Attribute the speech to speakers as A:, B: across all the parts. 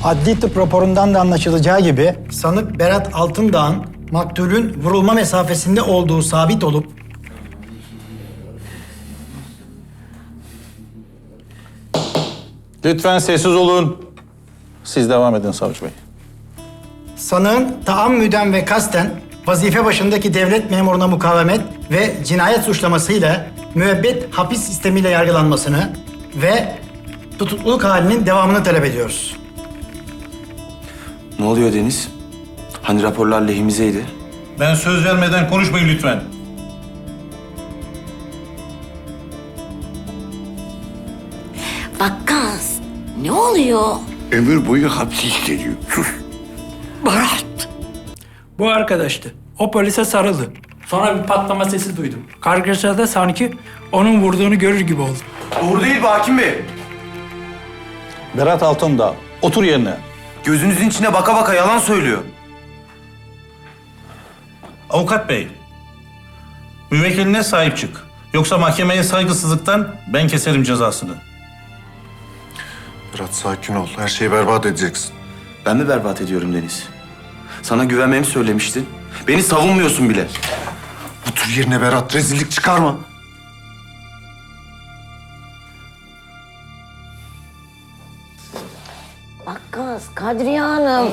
A: Adli tıp raporundan da anlaşılacağı gibi sanık Berat Altındağ'ın maktulün vurulma mesafesinde olduğu sabit olup
B: Lütfen sessiz olun. Siz devam edin savcı bey.
A: sanığın taammüden ve kasten vazife başındaki devlet memuruna mukavemet ve cinayet suçlamasıyla müebbet hapis sistemiyle yargılanmasını ve tutukluluk halinin devamını talep ediyoruz.
C: Ne oluyor Deniz? Hani raporlar lehimizeydi?
B: Ben söz vermeden konuşmayın lütfen.
D: Vakkas, ne oluyor?
E: Ömür boyu hapsi isteniyor. Sus.
D: Berat.
F: Bu arkadaştı. O polise sarıldı. Sonra bir patlama sesi duydum. Kargaşada sanki onun vurduğunu görür gibi oldum.
C: Doğru değil bu hakim bey.
B: Berat Altındağ, otur yerine.
C: Gözünüzün içine baka baka yalan söylüyor.
B: Avukat bey, müvekkiline sahip çık. Yoksa mahkemeye saygısızlıktan ben keserim cezasını.
G: Berat sakin ol. Her şeyi berbat edeceksin.
C: Ben mi berbat ediyorum Deniz? Sana güvenmemi söylemiştin. Beni savunmuyorsun bile.
G: Otur yerine Berat. Rezillik çıkarma.
D: Vakkas, Kadriye Hanım.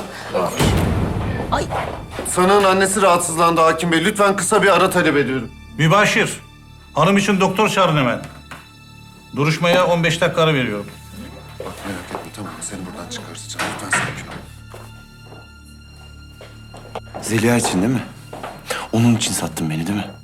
G: Sanığın annesi rahatsızlandı hakim bey. Lütfen kısa bir ara talep ediyorum.
B: Mübaşir, hanım için doktor çağırın hemen. Duruşmaya 15 dakika ara veriyorum.
G: Bak merak etme tamam mı? Seni buradan çıkartacağım. Lütfen sakin ol.
C: Zeliha için değil mi? Onun için sattın beni değil mi?